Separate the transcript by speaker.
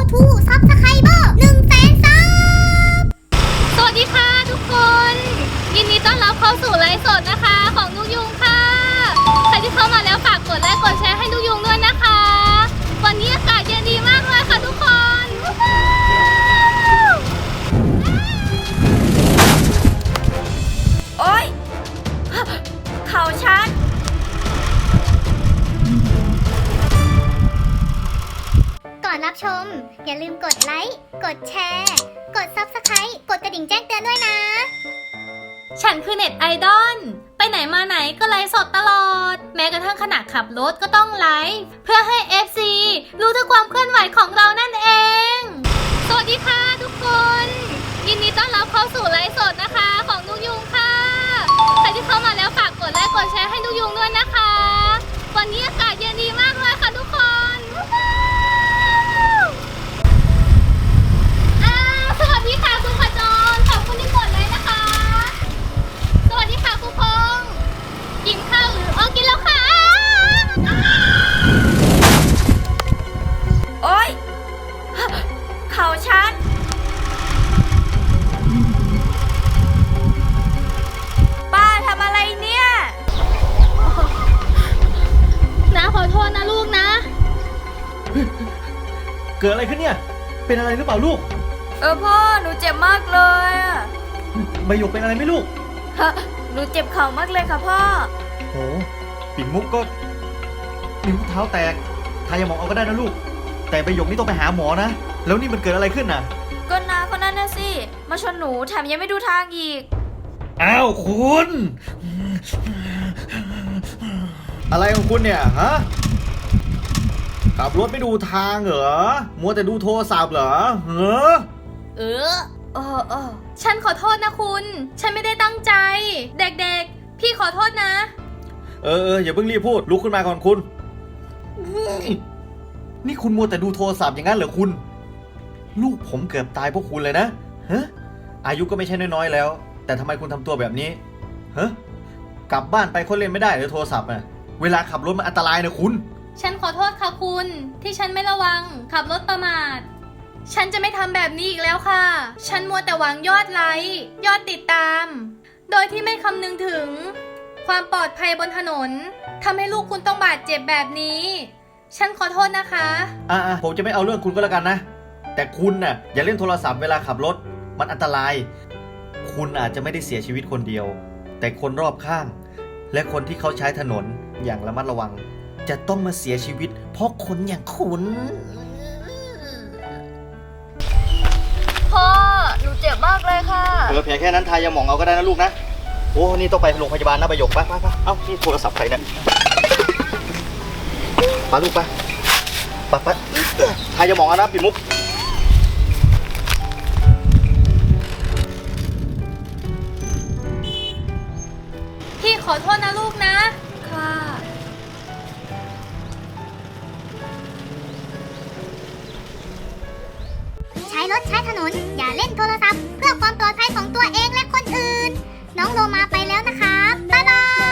Speaker 1: to Subscriber 100,000 ซับ
Speaker 2: สวัสดีค่ะทุกคนยินดีต้อนรับเข้าสู่ไลฟ์สดนะคะของนุกยุงค่ะใครที่เข้ามาแล้วฝากกดไลค์กดแชร์ให้นุกยุงด้วยนะคะวันนี้อากาศเย็นดีมากเลยค่ะทุกคน
Speaker 3: โอ๊ยเข่าฉัน
Speaker 1: ก่อนรับชมอย่าลืมกดไลค์กดแชร์กด Subscribe กดกระดิ่งแจ้งเตือนด้วยนะ
Speaker 2: ฉันคือเน็ตไอดอลไปไหนมาไหนก็ไลฟ์สดตลอดแม้กระทั่งขณะขับรถก็ต้องไลฟ์เพื่อให้ FC รู้ถึงความเคลื่อนไหวของเรานั่นเองสวัสดีค่ะทุกคนยินดีต้อนรับเข้าสู่ไลฟ์สดนะคะของนุกยุงค่ะใครที่เข้ามาแล้วฝากกดไลค์กดแชร์ให้นุกยุงด้วยนะคะวันนี้อากาศเย็นดีมากเลยค่ะทุกคนสวัสดีค่ะคุณขจรขอบคุณที่กดเลยนะคะสวัสดีค่ะครูพงษ์กินข้าวหรือกินแล้วค่ะ
Speaker 3: โอ๊ยเข่าฉันป้าทำอะไรเนี่ย
Speaker 2: นะขอโทษนะลูกนะ
Speaker 4: เกิดอะไรขึ้นเนี่ย เป็นอะไรหรือเปล่าลูก
Speaker 3: พ่อหนูเจ็บมากเลยอะ
Speaker 4: ใบหยกเป็นอะไรไหมลูก
Speaker 3: ฮะหนูเจ็บเข่ามากเลยค่ะพ่อ
Speaker 4: โหปิ่นมุกก็นิ้วเท้าแตกทายาหมองเอาก็ได้นะลูก แต่ใบหยกนี่ต้องไปหาหมอนะ แล้วนี่มันเกิดอะไรขึ้นน่ะ
Speaker 3: ก็น้าคนนั้นน่ะสิมาชนหนูแถมยังไม่ดูทางอีก
Speaker 4: อ้าวคุณ อะไรของคุณเนี่ยฮะ ขับรถไม่ดูทางเหรอ มัวแต่ดูโทรศัพท์เหรอ
Speaker 2: เออฉันขอโทษนะคุณ ฉันไม่ได้ตั้งใจ เด็กๆพี่ขอโทษนะ
Speaker 4: อย่าเพิ่งรีบพูด ลุกขึ้นมาก่อนคุณ นี่คุณมัวแต่ดูโทรศัพท์อย่างนั้นเหรอคุณ ลูกผมเกือบตายเพราะคุณเลยนะฮะอายุก็ไม่ใช่น้อยๆแล้ว แต่ทำไมคุณทำตัวแบบนี้ฮะกลับบ้านไปคนเล่นไม่ได้หรือโทรศัพท์อ่ะเวลาขับรถมันอันตรายนะคุณ
Speaker 2: ฉันขอโทษค่ะคุณที่ฉันไม่ระวังขับรถประมาทฉันจะไม่ทำแบบนี้อีกแล้วค่ะฉันมัวแต่หวังยอดไลค์ยอดติดตามโดยที่ไม่คำนึงถึงความปลอดภัยบนถนนทำให้ลูกคุณต้องบาดเจ็บแบบนี้ฉันขอโทษนะคะ
Speaker 4: ผมจะไม่เอาเรื่องคุณก็แล้วกันนะแต่คุณน่ะอย่าเล่นโทรศัพท์เวลาขับรถมันอันตรายคุณอาจจะไม่ได้เสียชีวิตคนเดียวแต่คนรอบข้างและคนที่เขาใช้ถนนอย่างระมัดระวังจะต้องมาเสียชีวิตเพราะคนอย่างคุณ
Speaker 3: พ่อหนูเจ็บมากเลยค่ะ
Speaker 4: แผลแค่นั้นทายาหมองเอาก็ได้นะลูกนะโอ้นี่ต้องไปโรงพยาบาลนะใบหยกไปเอ้านี่โทรศัพท์ใครเนี่ยไปลูกไปทายาหมองเอานะปิ่นมุก
Speaker 2: พี่ขอโทษนะลูกนะ
Speaker 3: ค่ะ
Speaker 1: ใช้รถใช้ถนนอย่าเล่นโทรศัพท์เพื่อความปลอดภัยของตัวเองและคนอื่นน้องโลมาไปแล้วนะคะบ๊ายบาย